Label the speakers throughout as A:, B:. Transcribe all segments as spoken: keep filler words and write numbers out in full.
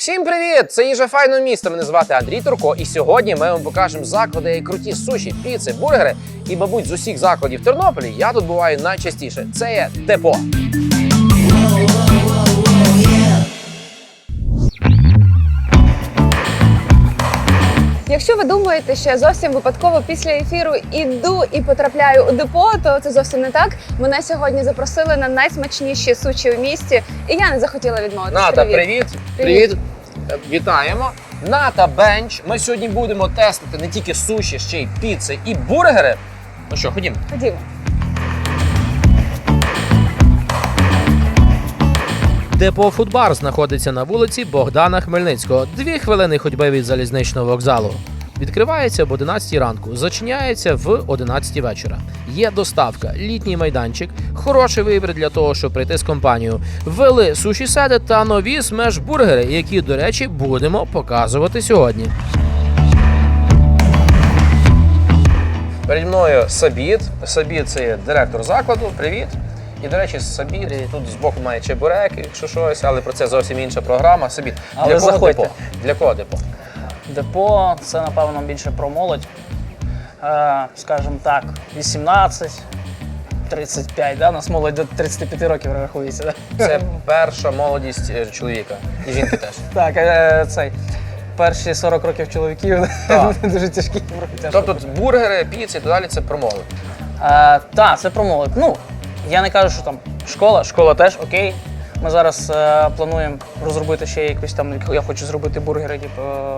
A: Всім привіт! Це їжа файного міста. Мене звати Андрій Турко. І сьогодні ми вам покажемо заклади, круті суші, піци, бургери. І, мабуть, з усіх закладів в Тернополі я тут буваю найчастіше. Це є Депо.
B: Якщо ви думаєте, що я зовсім випадково після ефіру іду і потрапляю у депо, то це зовсім не так. Мене сьогодні запросили на найсмачніші суші у місті, і я не захотіла відмовитися.
A: Ната,
B: привіт.
A: привіт. Привіт. Привіт. Вітаємо. Ната Бенч. Ми сьогодні будемо тестити не тільки суші, ще й піци і бургери. Ну що, ходімо.
B: Ходімо.
C: Депо Фудбар знаходиться на вулиці Богдана Хмельницького, дві хвилини ходьби від залізничного вокзалу. Відкривається об одинадцятій ранку, зачиняється в одинадцятій вечора. Є доставка, літній майданчик, хороший вибір для того, щоб прийти з компанією. Ввели суші-седи та нові смеш-бургери, які, до речі, будемо показувати сьогодні.
A: Переді мною Сабіт. Сабіт – це є директор закладу. Привіт. І, до речі, Сабіт тут збоку має чебуреки, якщо щось, але про це зовсім інша програма. Сабіт,
D: Але
A: для кого
D: заходьте.
A: депо? Для кого депо?
D: Депо це, напевно, більше про молодь. Е, скажімо так, вісімнадцять тридцять п'ять, да? У нас молодь до тридцяти п'яти років рахується. Да?
A: Це перша молодість е, чоловіка. І жінки теж.
D: Так, е, цей, перші сорок років чоловіків
A: Так.
D: дуже тяжкі. тяжко
A: Тобто бургери, піци і так далі – це про молодь.
D: Е, так, це про молодь. Ну, я не кажу, що там школа, школа теж окей. Ми зараз е, плануємо розробити ще якусь там, я хочу зробити бургери, типу,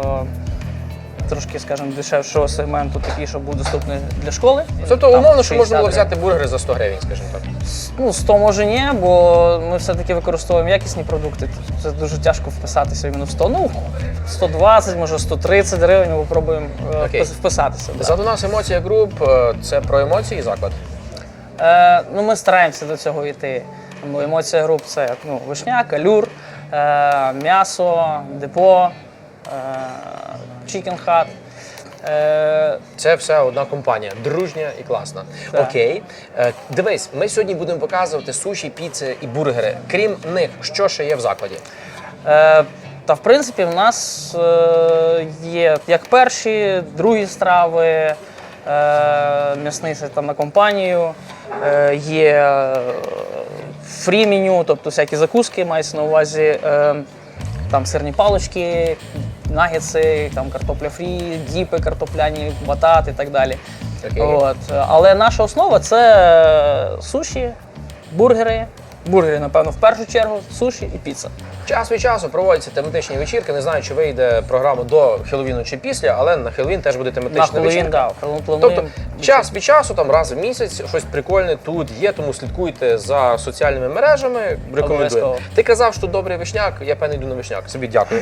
D: е, трошки, скажімо, дешевшого сегменту, такий, що буде доступний для школи.
A: Тобто,
D: Там
A: умовно, що можна було
D: шістдесят
A: взяти бургери за сто гривень, скажімо так.
D: Ну, сто може ні, бо ми все-таки використовуємо якісні продукти. Це дуже тяжко вписатися іменно в сто. Ну, сто двадцять, може сто тридцять гривень ми спробуємо
A: Окей.
D: вписатися. Да.
A: Ззаду нас емоція груп е, – це про емоції заклад.
D: Е, ну, ми стараємося до цього йти. Ну, емоція груп – це ну, вишняк, алюр, е, м'ясо, депо, е, чікен хат. Е,
A: Це все одна компанія, дружня і класна.
D: Так.
A: Окей. Е, Дивись, ми сьогодні будемо показувати суші, піци і бургери. Крім них, що ще є в закладі?
D: Е, та в принципі в нас е, є як перші, другі страви, е, м'ясний це там на компанію, е, є фрі-меню, тобто всякі закуски, мається на увазі е, там сирні палички, нагетси, там картопля фрі, діпи картопляні, батат і так далі.
A: Окей.
D: От. Але наша основа це суші, бургери. Бургери, напевно, в першу чергу, суші і піца.
A: Час від часу проводяться тематичні вечірки. Не знаю, чи вийде програма до Хеллоуіну чи після, але на Хеллоуін теж буде
D: На
A: тематична
D: Хеллоуін,
A: вечірка.
D: да, плануємо.
A: Тобто час від часу, там раз в місяць, щось прикольне тут є, тому слідкуйте за соціальними мережами, рекомендую.
D: Обов'язково.
A: Ти казав, що добрий вишняк, я певно йду на вишняк. Собі дякую.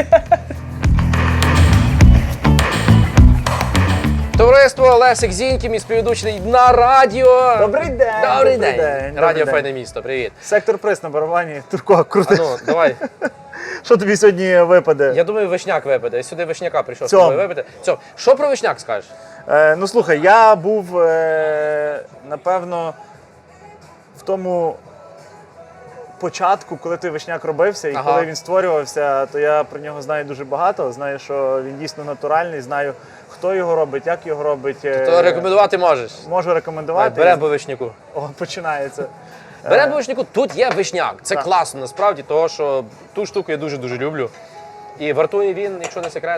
A: Товариство, Лесик Зіньків, мій співведучий на радіо.
E: Добрий день!
A: Добрий день.
E: добрий
A: Радіо
E: день.
A: Файне місто, привіт.
E: Сектор приз на барабані, Турко,
A: А
E: крути.
A: ну, давай.
E: Що тобі сьогодні випаде?
A: Я думаю, вишняк випаде. Я сюди вишняка прийшов з
E: Цьом.
A: тобою випити. Цьом. Що про вишняк скажеш?
E: Е, ну слухай, я був, е, напевно, в тому початку, коли той вишняк робився, і
A: Ага.
E: коли він створювався, то я про нього знаю дуже багато. Знаю, що він дійсно натуральний, знаю, хто його робить, як його робить. Е,
A: То рекомендувати можеш.
E: Можу рекомендувати.
A: Беремо по вишняку.
E: О, починається.
A: Беремо по вишняку, тут є вишняк. Це
E: Так.
A: класно насправді, тому що ту штуку я дуже-дуже люблю. І вартує він, якщо не секрет,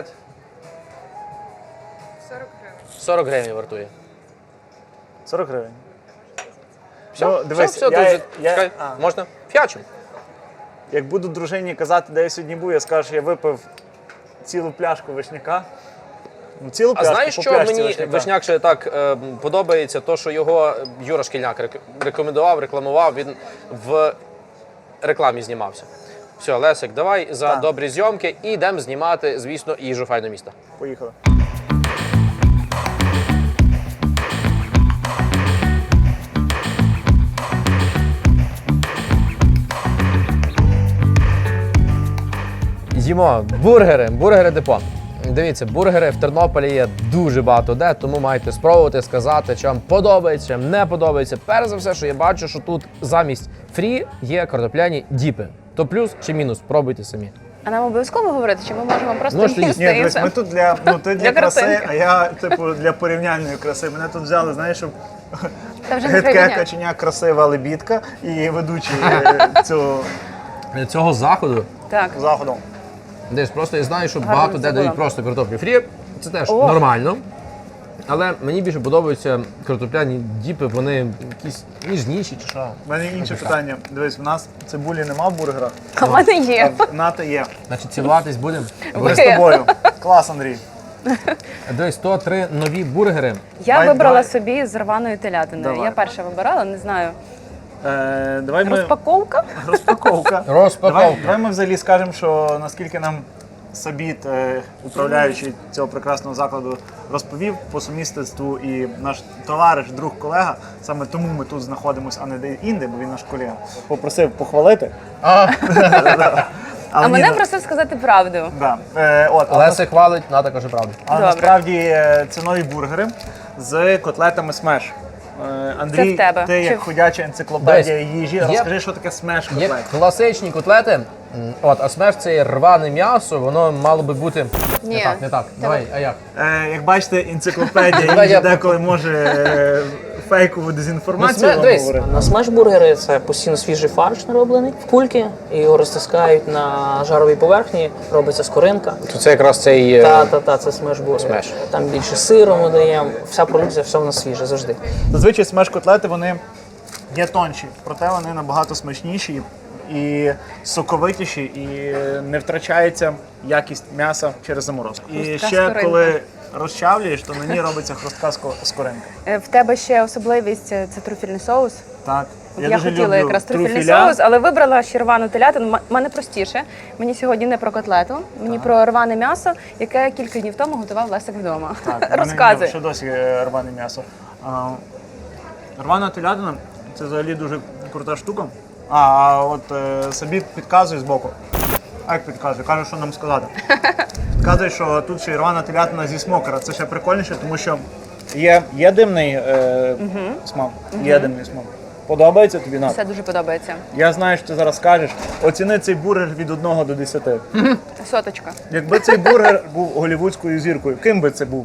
B: сорок гривень.
A: сорок гривень вартує.
E: сорок гривень.
A: Все,
E: Ну, дивись,
A: все, все,
E: я-
A: дуже-
E: я-
A: Чекай,
E: а.
A: можна? Ф'ячу.
E: Як буду дружині казати, де я сьогодні був, я скажу, що я випив цілу пляшку вишняка. Ну, цілу
A: А
E: пляшку,
A: знаєш,
E: по
A: що
E: пляшці
A: мені
E: вишняка.
A: вишняк ще так е, подобається? То, що його Юра Шкільняк рек- рекомендував, рекламував, він в рекламі знімався. Все, Лесик, давай за
E: Так.
A: добрі зйомки і йдемо знімати, звісно, їжу файного міста.
E: Поїхали.
A: Їмо бургери, бургери депо. Дивіться, бургери в Тернополі є дуже багато де, тому маєте спробувати сказати, чи вам подобається, чи вам не подобається. Перш за все, що я бачу, що тут замість фрі є картопляні діпи. То плюс чи мінус, пробуйте самі.
B: А нам обов'язково говорити, чи ми можемо просто
C: Можете
B: їсти
E: Ні,
B: і
E: дивись,
B: все?
E: ми тут для, ну, ти для
B: Для
E: краси,
B: картинки.
E: а я, типу, для порівняльної краси. Мене тут взяли, знаєш, щоб
B: Та вже не
E: гидке
B: порівняти.
E: каченя, красива лебідка і ведучий е, цього
C: Цього заходу
B: Так.
E: заходу.
C: десь просто я знаю, що
B: Гарно
C: багато де
B: забула.
C: дають просто картоплю фрі. Це теж
B: О.
C: нормально. Але мені більше подобаються картопляні діпи, вони якісь ніжніші чи що.
E: У мене інше питання. Дивись, в нас цибулі нема в бургерах,
B: А в мене є.
E: а в НАТО є.
C: Значить, цілуватись будемо.
E: Ми з тобою. Клас, Андрій.
C: Дивись, сто три нові бургери.
B: Я
E: Давай,
B: вибрала
E: давай.
B: собі з рваною телятиною.
E: Давай.
B: Я перша вибирала, не знаю.
E: Е, давай ми...
B: Розпаковка?
E: Розпаковка.
C: Розпаковка.
E: Давай, давай ми взагалі скажемо, що наскільки нам Сабіт, е, управляючий цього прекрасного закладу, розповів по сумісництву і наш товариш, друг, колега, саме тому ми тут знаходимося, а не де інде, бо він наш колега. Попросив похвалити.
C: А,
B: А
E: ні,
B: мене
E: ну,
B: просив сказати правду.
E: да. е, от, але
C: Леся хвалить, Ната каже правду.
E: А
B: Добре.
E: насправді е, це нові бургери з котлетами смеш. Е, Андрій,
B: в тебе.
E: ти
B: Чи
E: як
B: в-
E: ходяча енциклопедія
C: Дивись,
E: їжі,
C: є-
E: розкажи, що таке смеш
C: Є
E: котлет.
C: класичні котлети, м, от, а смеш це є рване м'ясо, воно мало би бути.
B: Ні.
C: Не так, не так. Давай, а як?
E: Е, як бачите, енциклопедія
C: Давай
E: їжі
C: я-
E: деколи може е, фейкову дезінформацію
C: Ну,
E: вам
C: дивись,
E: говорити.
D: На смеш-бургери це постійно свіжий фарш нароблений в кульки, і його розтискають на жаровій поверхні, робиться скоринка.
A: То це якраз цей.
D: Та, та, та, це смеш-бургер.
A: Смеш.
D: Там більше сиру ми даємо, вся продукція, все в нас свіже завжди.
E: Зазвичай смеш-котлети вони є тонші, проте вони набагато смачніші і соковитіші, і не втрачається якість м'яса через заморозку. І
B: Хрустка
E: ще
B: скоринка.
E: коли розчавлюєш, то на ній робиться хрустка ско- скоринка.
B: Е, В тебе ще особливість е, це трюфельний соус.
E: Так.
B: Я,
E: дуже
B: хотіла
E: люблю
B: якраз трюфельний
E: трюфеля.
B: соус, але вибрала ще рвану телятину. М- мене простіше. Мені сьогодні не про котлету, мені про рване м'ясо, яке кілька днів тому готував Лесик вдома.
E: Так, в мене
B: Розказуй.
E: ще досі е, рване м'ясо. А, рвана телятина це взагалі дуже крута штука. А, а от е, собі підказує збоку. А як підказує? Каже, що нам сказати. Підказує, що тут ще й рвана телятина зі смокера. Це ще прикольніше, тому що є, є димний е, смак. Є димний смак. Подобається тобі Нат?
B: Все дуже подобається.
E: Я знаю, що ти зараз скажеш. Оціни цей бургер від одного до десяти.
B: Соточка.
E: Якби цей бургер був голівудською зіркою, ким би це був?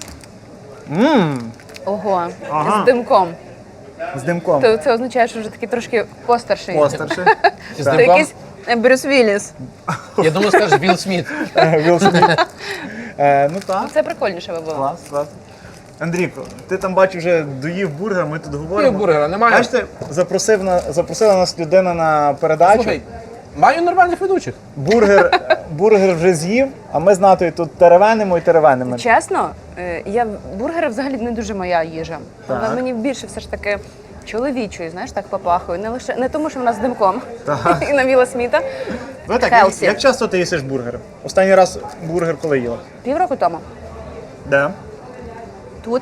E: Ммм,
B: Ого,
E: Ага.
B: з димком.
E: з димком.
B: То це означає, що вже такий трошки постарший.
E: Постерши.
C: З
B: Це
C: димком?
B: якийсь е, Брюс Вілліс.
C: Я думаю, скажеш Білл Сміт.
E: Вілл Сміт. Е, Ну так,
B: Це прикольніше би було.
E: клас, клас. Андрійко, ти там бачу вже доїв бургер, ми тут
C: Ні,
E: говоримо.
C: бургера немає.
E: Бачите, запросив на, запросила нас людина на передачу.
C: Слухай, маю нормальних ведучих.
E: Бургер, бургер вже з'їв, а ми з Натою тут теревенимо і теревенимо.
B: Чесно, е, я бургери взагалі не дуже моя їжа.
E: Так.
B: Вона мені більше все ж таки чоловічою, знаєш, так попахує. Не лише не тому, що вона з димком
E: Так.
B: і на Вілла Сміта.
E: Ви так, як,
B: Хелсі.
E: як часто ти їсиш бургер? Останній раз бургер коли їла?
B: Півроку тому.
E: Де?
B: Тут.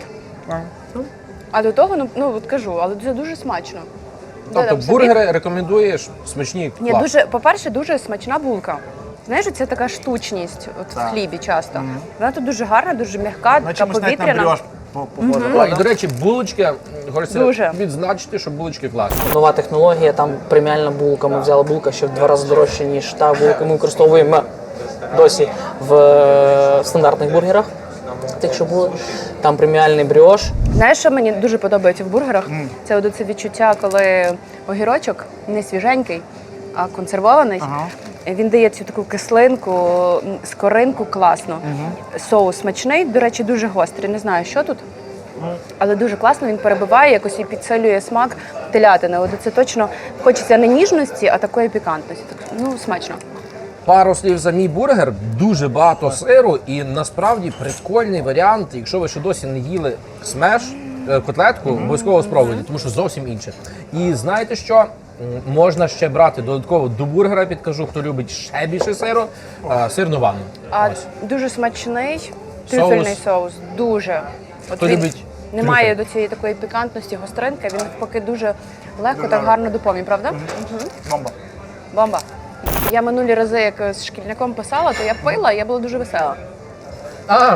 B: А до того, ну, ну от кажу, але це дуже смачно.
C: Тобто
B: Додам собі.
C: бургери рекомендуєш смачні,
B: Ні,
C: клас.
B: дуже, по-перше, дуже смачна булка. Знаєш, це така штучність от
E: Так.
B: в хлібі часто. Вона тут дуже гарна, дуже м'яка,
E: На
B: така
E: чомусь навіть на
B: повітряна.
E: брьош по- похоже,
C: О, і,
E: правда?
C: до речі, булочки, хочеться
B: Дуже.
C: відзначити, що булочки класні.
D: Нова технологія, там преміальна булка. Ми взяли булка, що в два рази дорожче, ніж та булка. Ми використовуємо досі в е, стандартних бургерах. Тих, що були. Там преміальний бріош.
B: Знаєш, що мені дуже подобається в бургерах? Це от це відчуття, коли огірочок не свіженький, а консервований.
E: Ага.
B: Він дає цю таку кислинку, м, скоринку класно. Соус смачний, до речі, дуже гострий. Не знаю, що тут. Але дуже класно він перебиває, якось і підсилює смак телятини. От це точно хочеться не ніжності, а такої пікантності. Так, ну, смачно.
C: Пару слів за мій бургер, дуже багато сиру і насправді прикольний варіант, якщо ви ще досі не їли смеш, е, котлетку, обов'язково спробуйте, тому що зовсім інше. І знаєте що? М, Можна ще брати додатково до бургера, підкажу, хто любить ще більше сиру, е, сирну ванну.
B: А
C: Ось.
B: дуже смачний трюфельний соус. Дуже. От
C: Хто
B: він
C: любить
B: немає
C: трюфель?
B: до цієї такої пікантності, гостринки. Він поки дуже легко, так гарно доповнює, правда?
E: Бомба.
B: Бомба. Я минулі рази, як з шкільником писала, то я пила, і я була дуже весела.
C: А, м,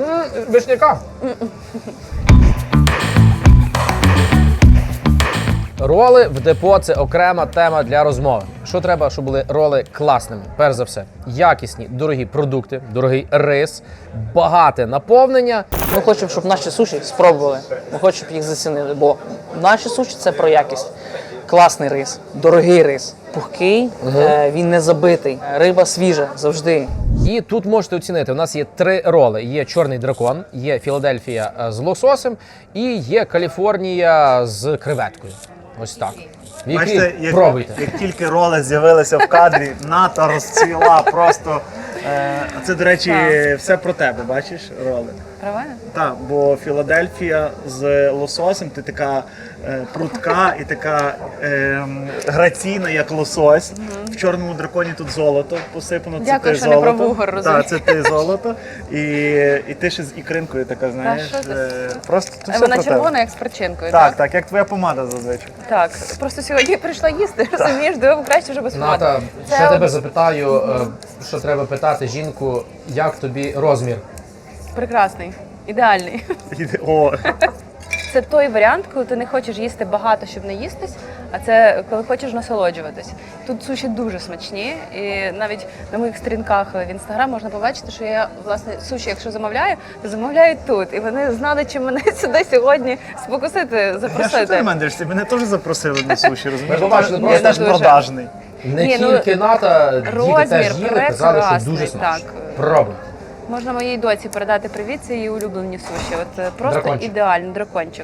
C: вишняка.
A: Роли в депо – це окрема тема для розмови. Що треба, щоб були роли класними? Перш за все, якісні, дорогі продукти, дорогий рис, багате наповнення.
D: Ми хочемо, щоб наші суші спробували. Ми хочемо, щоб їх зацінили, бо наші суші – це про якість. Класний рис, дорогий рис, пухкий, е, він не забитий, риба свіжа завжди.
A: І тут можете оцінити, у нас є три роли. Є чорний дракон, є Філадельфія е, з лососем і є Каліфорнія з креветкою. Ось так. Які
E: Бачите, як,
A: пробуйте.
E: як тільки роли з'явилися в кадрі, ната розцвіла просто. Е, а це, до речі, все про тебе, бачиш, роли?
B: Правильно?
E: Так, бо Філадельфія з лососем, ти така е, прудка і така е, граційна, як лосось. В чорному драконі тут золото посипано. Це
B: Дякую,
E: ти
B: що не
E: золото.
B: про вугор, розумієш.
E: Так, це ти золото. І, і ти ще з ікринкою така, знаєш.
B: що ти?
E: е, просто тут все
B: Вона
E: про
B: червона,
E: тебе.
B: як з перчинкою,
E: Так,
B: так?
E: так, як твоя помада зазвичай.
B: Так. Просто сьогодні прийшла їсти, розумієш, думаю, краще вже без помади.
A: Ната,
B: Це
A: ще
B: от-
A: тебе запитаю, е, що треба питати жінку, як тобі розмір?
B: Прекрасний, ідеальний.
E: О,
B: Це той варіант, коли ти не хочеш їсти багато, щоб не їстись, а це коли хочеш насолоджуватись. Тут суші дуже смачні, і навіть на моїх сторінках в інстаграм можна побачити, що я власне суші, якщо замовляю, то замовляю тут. І вони знали, чи мене сюди сьогодні спокусити,
E: я що ти
B: запросити.
E: на мене дивишся? Мене теж запросили на суші, розумієш?
A: Ми побачили
E: Я
A: просто
E: теж
B: дуже.
E: продажний.
A: Не
B: Ні, ну,
A: тільки Ната, діти
B: розмір
A: теж їли, казали, що дуже
B: прекрасний,
A: смачно.
B: так.
A: Пробуй.
B: Можна моїй доці передати привіт, це її улюблені суші. От е, просто
A: Дракончик.
B: ідеальний дракончик.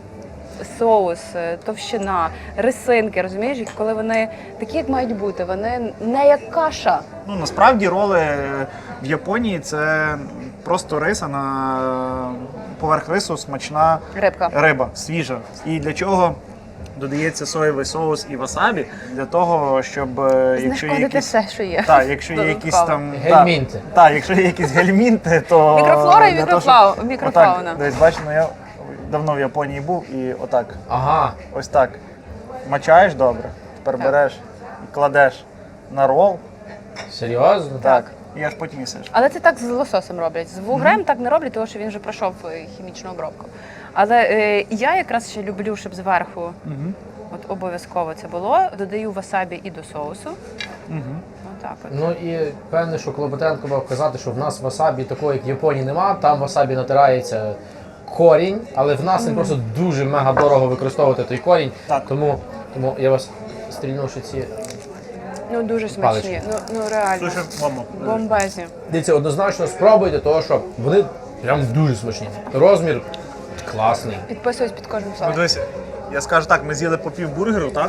B: Соус, е, товщина, рисинки, розумієш, і коли вони такі, як мають бути, вони не як каша.
E: Ну, насправді роли в Японії це просто риса на поверх рису смачна
B: Рибка.
E: риба, свіжа. І для чого додається соєвий соус і васабі? Для того, щоб е, якщо є
B: Знешкодити
E: якісь
B: все, що є.
E: так, якщо є якісь
B: Додатково.
E: там
A: Гельмінти.
E: Так, так, якщо є якісь гельмінти, то
B: Мікрофлора і
E: для того,
B: мікрофау-
E: щоб-
B: мікрофауна.
E: Отак, десь бачиш, ну я давно в Японії був і отак.
A: Ага.
E: Ось так. Мачаєш добре, тепер береш і кладеш на рол.
A: Серйозно?
E: Так. І аж потім їсиш.
B: Але це так з лососем роблять. З вугрем так не роблять, тому що він вже пройшов е, хімічну обробку. Але е, я якраз ще люблю, щоб зверху от обов'язково це було. Додаю васабі і до соусу. Отак от.
A: Ну і певне, що Клопотенко мав казати, що в нас васабі такої, як в Японії, нема. Там васабі натирається корінь, але в нас він просто дуже мега дорого використовувати той корінь.
E: Так.
A: Тому, тому я вас стрільну, що ці.
B: Ну дуже
A: Палички.
B: смачні. Ну, ну реально.
E: Слушай, мамо.
B: Бомбезні.
A: Дивіться, однозначно спробуйте, тому що вони прям дуже смачні. Розмір класний.
B: Підписуюсь під кожним
E: Ну,
B: словом.
E: дивись, я скажу так, ми з'їли по пів бургеру, так?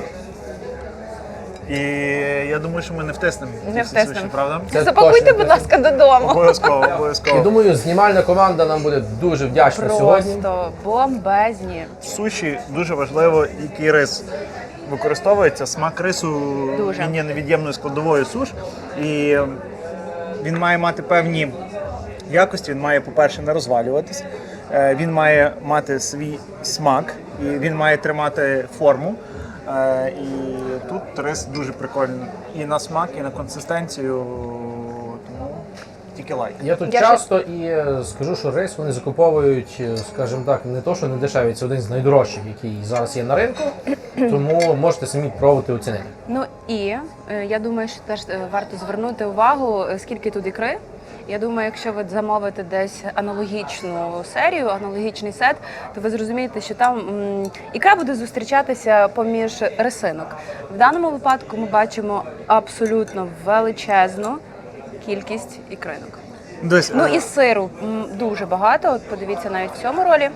E: І я думаю, що ми не втиснемо. ці
B: Не
E: всі
B: втиснемо.
E: суші, правда?
A: Це
B: Запакуйте,
A: точно.
B: будь ласка, додому.
E: Обов'язково,
A: Я
E: обов'язково.
A: думаю, знімальна команда нам буде дуже вдячна сьогодні.
B: Просто бомбезні.
E: Суші дуже важливо, який рис використовується. Смак рису
B: Дуже.
E: він є невід'ємною складовою суш. І він має мати певні якості. Він має, по-перше, не розвалюватись. Е, Він має мати свій смак, і він має тримати форму. Е, І тут рис дуже прикольний і на смак, і на консистенцію. Тому тільки лайк.
A: Я тут
B: Я
A: часто і е, скажу, що рис вони закуповують, е, скажімо так, не то, що не дешевий, це один з найдорожчих, який зараз є на ринку. Тому можете самі пробувати оцінити.
B: Ну і е, я думаю, що теж е, варто звернути увагу, е, скільки тут ікри. Я думаю, якщо ви замовите десь аналогічну серію, аналогічний сет, то ви зрозумієте, що там м, ікра буде зустрічатися поміж рисинок. В даному випадку ми бачимо абсолютно величезну кількість ікринок.
E: Десь,
B: Ну
E: е,
B: і сиру м, дуже багато. От подивіться навіть в цьому ролі.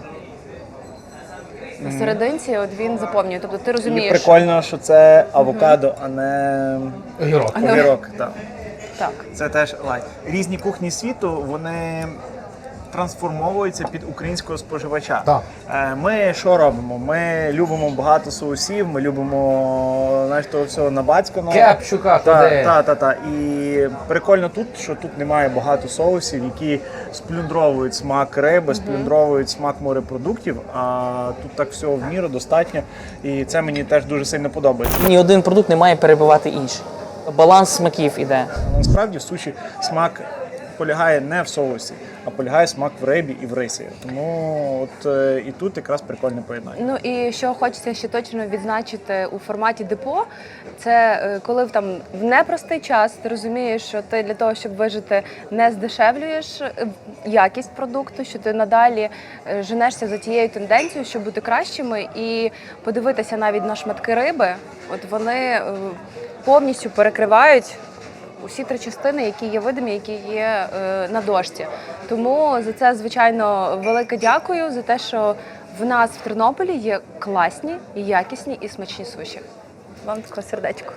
B: На серединці от він заповнює. Тобто ти
E: і
B: розумієш,
E: прикольно, що це авокадо, а не
A: Огірок.
E: огірок. Так.
B: так.
E: Це теж лайк. Різні кухні світу вони трансформовуються під українського споживача.
A: Так.
E: Е, Ми що робимо? Ми любимо багато соусів, ми любимо знаєш, того всього набацьканого.
A: Кепчука
E: Та,
A: туди.
E: та, та, та. І прикольно тут, що тут немає багато соусів, які сплюндровують смак риби, сплюндровують смак морепродуктів, а тут так всього в міру достатньо. І це мені теж дуже сильно подобається.
D: Ні один продукт не має перебивати інший. Баланс смаків іде.
E: Насправді в суші смак полягає не в соусі, а полягає смак в рибі і в рисі. Тому от е, і тут якраз прикольне поєднання.
B: Ну і що хочеться ще точно відзначити у форматі депо, це е, коли в там в непростий час ти розумієш, що ти для того, щоб вижити, не здешевлюєш е, якість продукту, що ти надалі е, женешся за тією тенденцією, щоб бути кращими, і подивитися навіть на шматки риби. От вони е, повністю перекривають усі три частини, які є видимі, які є е, на дошці. Тому за це, звичайно, велике дякую за те, що в нас в Тернополі є класні, якісні і смачні суші. Вам таке сердечко.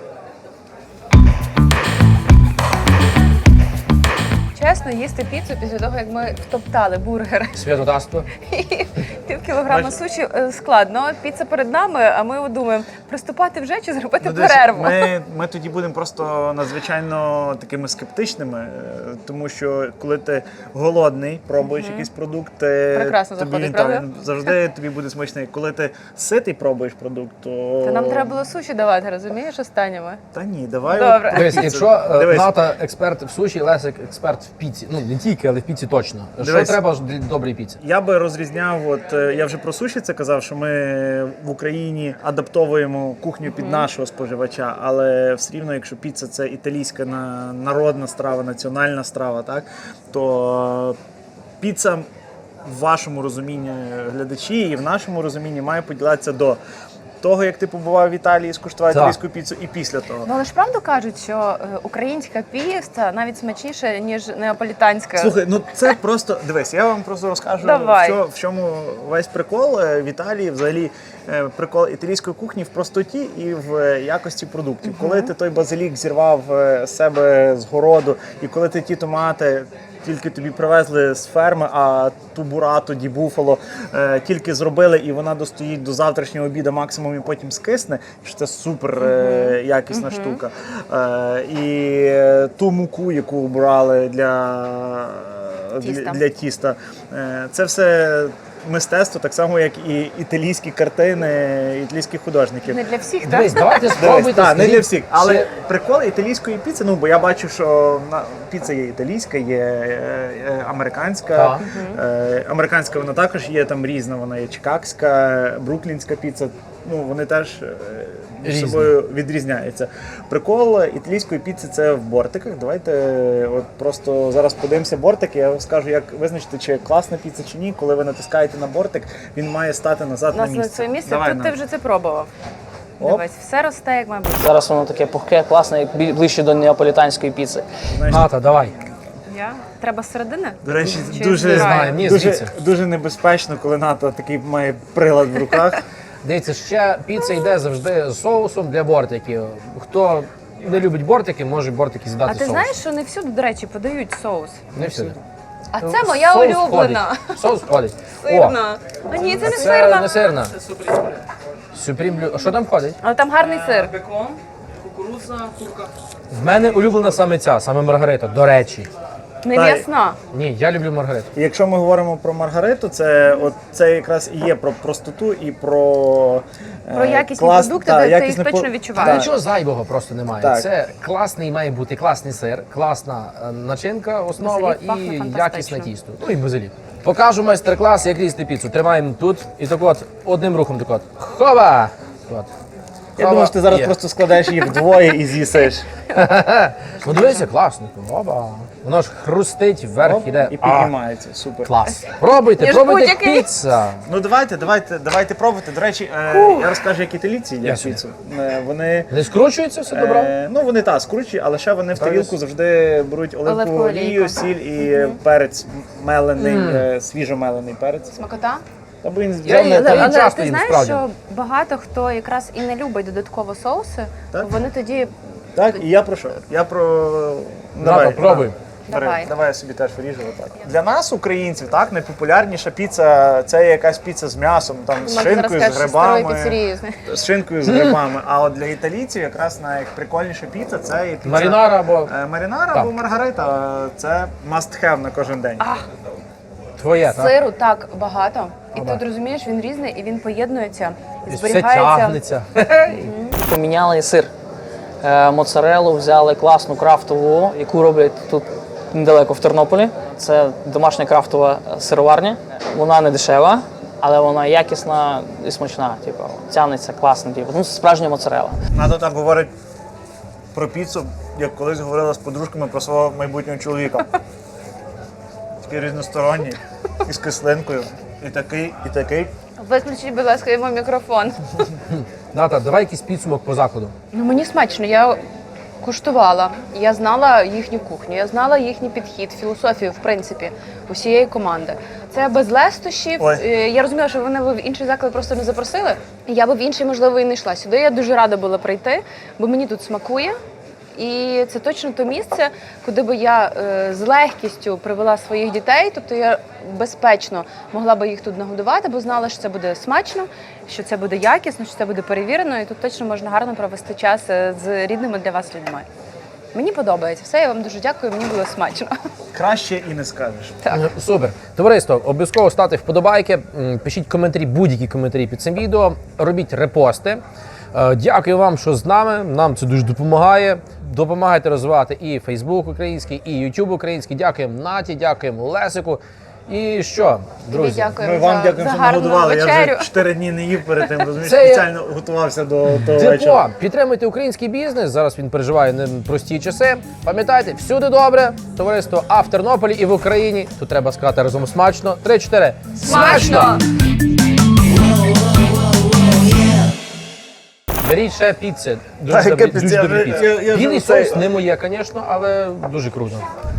B: Чесно, їсти піцу після того, як ми втоптали бургер
C: Святотатство.
B: і пів кілограма суші е, складно. Піца перед нами, а ми от думаємо, приступати вже чи зробити
E: Ну, дивись,
B: перерву.
E: Ми, ми тоді будемо просто надзвичайно такими скептичними, е, тому що коли ти голодний, пробуєш якийсь продукт, е,
B: Прекрасно
E: тобі
B: заходить,
E: він там
B: правда?
E: завжди тобі буде смачний. Коли ти ситий пробуєш продукт, то
B: Та нам треба було суші давати, розумієш, останніми.
E: Та ні, давай.
B: Добре.
E: от
C: Дивись,
E: піцу.
C: якщо е,
E: Дивись,
C: Ната експерт в суші, Лесик експерт в піці. Ну не тільки, але в піці точно. Що
E: Дивись.
C: треба ж для доброї піці?
E: Я би розрізняв, от е, я вже про суші це казав, що ми в Україні адаптовуємо кухню під нашого споживача, але все рівно, якщо піца це італійська на- народна страва, національна страва, так то піца в вашому розумінні глядачі і в нашому розумінні має поділятися до того, як ти побував в Італії, скуштував
C: Так.
E: італійську піцу, і після того.
B: Ну, але ж правду кажуть, що е, українська піца навіть смачніша, ніж неаполітанська.
E: Слухай, ну це просто дивись, я вам просто розкажу,
B: Давай.
E: що, в чому весь прикол Е, в Італії, взагалі е, прикол італійської кухні в простоті і в е, якості продуктів. Коли ти той базилік зірвав е, з себе з городу, і коли ти ті томати тільки тобі привезли з ферми, а ту бурату, ді буфало е, тільки зробили, і вона достоїть до завтрашнього обіду максимум і потім скисне, що це супер е, якісна штука. Е, і е, ту муку, яку брали для
B: Тіста.
E: для, для тіста. Е, Це все мистецтво, так само, як і італійські картини, італійських художників.
B: Не для всіх, так?
C: Дивись, давайте
E: Дивись,
C: спробуйте.
E: так, не
C: скажіть,
E: для всіх. Але
C: чи-
E: прикол італійської піци, ну бо я бачу, що на- піца є італійська, є е, е, американська.
C: Так.
E: Е, Американська вона також є там різна, вона є чикагська, бруклінська піца. Ну вони теж е, між
C: Різні.
E: собою відрізняються. Прикол італійської піци це в бортиках. Давайте е, от просто зараз подивимося бортики. Я вам скажу, як визначити, чи класна піца чи ні. Коли ви натискаєте на бортик, він має стати назад
B: У
E: на
B: нас на
E: місце.
B: своє місце.
E: Давай,
B: Тут ти
E: на.
B: вже це пробував.
E: Оп.
B: Дивись, все росте, як має бути.
D: Зараз воно таке пухке, класне, як бі- ближче до неаполітанської піци.
C: Ната, давай.
B: Я? Треба з середини?
E: До речі,
B: Чи
E: дуже,
B: збираю?
C: знаю, ні,
E: дуже,
C: звідси.
E: дуже небезпечно, коли НАТО такий має прилад в руках.
C: Дивіться, ще піца йде завжди з соусом для бортиків. Хто не любить бортики, може бортики з'їдати
B: А ти
C: соус.
B: знаєш, що не всюди, до речі, подають соус.
C: Не всюди.
B: А це моя
C: Соус
B: улюблена.
C: входить. Соус входить. О,
B: Сирна. А ні, це не
C: це
B: сирна.
C: не сирна. Сюпрім. А що там входить?
B: Але там гарний сир.
D: Бекон, кукурудза, курка.
C: В мене улюблена саме ця, саме Маргарита, до речі.
B: Не
E: Та й-
B: м'ясна.
C: Ні, я люблю Маргариту.
E: І якщо ми говоримо про Маргариту, це от це якраз і є про простоту і про, е,
B: Про якісні
E: клас-
B: продукти,
E: та,
B: де ти
E: якісне
B: їх точно
E: по-
B: відчуваєш.
E: та.
C: Нічого зайвого просто немає.
E: Так.
C: Це класний має бути класний сир, класна е, начинка, основа
B: Базилік пахне
C: і
B: фантастично.
C: якісне тісто. Ну і базилік. Покажу майстер-клас, як різати піцу. Тримаємо тут і так от одним рухом так от. Хова! От.
E: Я думаю, що ти зараз
C: Є.
E: просто складаєш їх вдвоє і з'їсиш.
C: Ну дивися, класно. Оба. Воно ж хрустить, вверх
E: Оп,
C: іде.
E: і
C: А,
E: піднімається. Супер.
C: клас. Пробуйте,
B: Ніж
C: пробуйте
B: будь-який.
C: піца.
E: Ну давайте, давайте, давайте пробувати. До речі, е, я розкажу, як італійці
C: Я
E: їдять
C: сюди.
E: піцу. Е, вони
C: Не скручується все добре?
E: Е, ну вони так скручують, але ще вони в тарілку завжди беруть оливкову
B: Оливкову
E: олію,
B: олійку.
E: сіль і перець мелений, е, свіжомелений перець.
B: Смакота?
E: Та бо він
C: Я
E: взяв
C: її-
E: не
C: Та
B: Але,
C: він
B: але
C: часто
B: ти
C: їм,
B: знаєш,
C: справді.
B: що багато хто якраз і не любить додатково соуси,
E: Так.
B: вони тоді
E: так, і я про що? Я про
C: Ната, пробуй.
E: Бери,
B: Давай.
E: давай я собі теж виріжу отак. Для нас, українців, так найпопулярніша піца це є якась піца з м'ясом, там з
B: Можна
E: шинкою,
B: зараз
E: з
B: кажеш, старої
E: грибами.
B: піцерії.
E: З шинкою з грибами. А от для італійців якраз найприкольніша піца це є піца
C: Марінара або
E: е, марінара
C: Так.
E: або маргарита. Це must have на кожен день.
C: твоє, так?
B: Сиру так багато. І
C: Ага.
B: тут розумієш, він різний і він поєднується. І
C: І все
B: зберігається.
C: тягнеться.
D: Поміняли сир. Е, Моцарелу взяли класну крафтову, яку роблять тут недалеко в Тернополі. Це домашня крафтова сироварня. Вона не дешева, але вона якісна і смачна. Типу, тягнеться класно. Типу. Ну, справжня моцарелла.
E: Надо так говорить про піцу, як колись говорила з подружками про свого майбутнього чоловіка. Такий різносторонній, і з кислинкою, і такий, і такий.
B: Виключіть, будь ласка, йому мікрофон.
A: Ната, давай якийсь підсумок по закладу.
B: Ну мені смачно. Я куштувала. Я знала їхню кухню, я знала їхній підхід, філософію, в принципі, усієї команди. Це без лестощів.
E: Ой.
B: Е, Я розуміла, що вони в інший заклад просто не запросили. Я би в інший, можливо, і не йшла сюди. Я дуже рада була прийти, бо мені тут смакує. І це точно те місце, куди би я е, з легкістю привела своїх дітей. Тобто я безпечно могла би їх тут нагодувати, бо знала, що це буде смачно, що це буде якісно, що це буде перевірено, і тут точно можна гарно провести час е, з рідними для вас людьми. Мені подобається все, я вам дуже дякую, мені було смачно.
E: Краще і не скажеш.
B: Так.
A: Е, Супер. Товариство, обов'язково ставте вподобайки, м, пишіть коментарі, будь-які коментарі під цим відео, робіть репости. Е, Дякую вам, що з нами. Нам це дуже допомагає. Допомагайте розвивати і Facebook український, і YouTube український. Дякуємо Наті, дякуємо Лесику. І що, друзі?
B: Тобі дякую
E: Ми вам
B: за,
E: дякуємо,
B: за
E: що
B: гарну
E: нагодували. Я
B: вечерю.
E: вже чотири дні не їв перед тим, розумієш,
A: Це є-
E: спеціально готувався до того
A: Депо,
E: вечора.
A: підтримуйте український бізнес. Зараз він переживає непрості часи. Пам'ятайте, всюди добре. Товариство А в Тернополі і в Україні. Тут треба сказати разом смачно. Три-чотири.
B: Смачно!
A: Беріть ще піци.
E: Та,
A: Дуже
E: яка
A: добрі,
E: піца?
A: дуже
E: Я
A: добрі
E: вже-
A: піци.
E: я- я вже
A: Білий
E: оцей-
A: соус не моє, звісно, але дуже круто.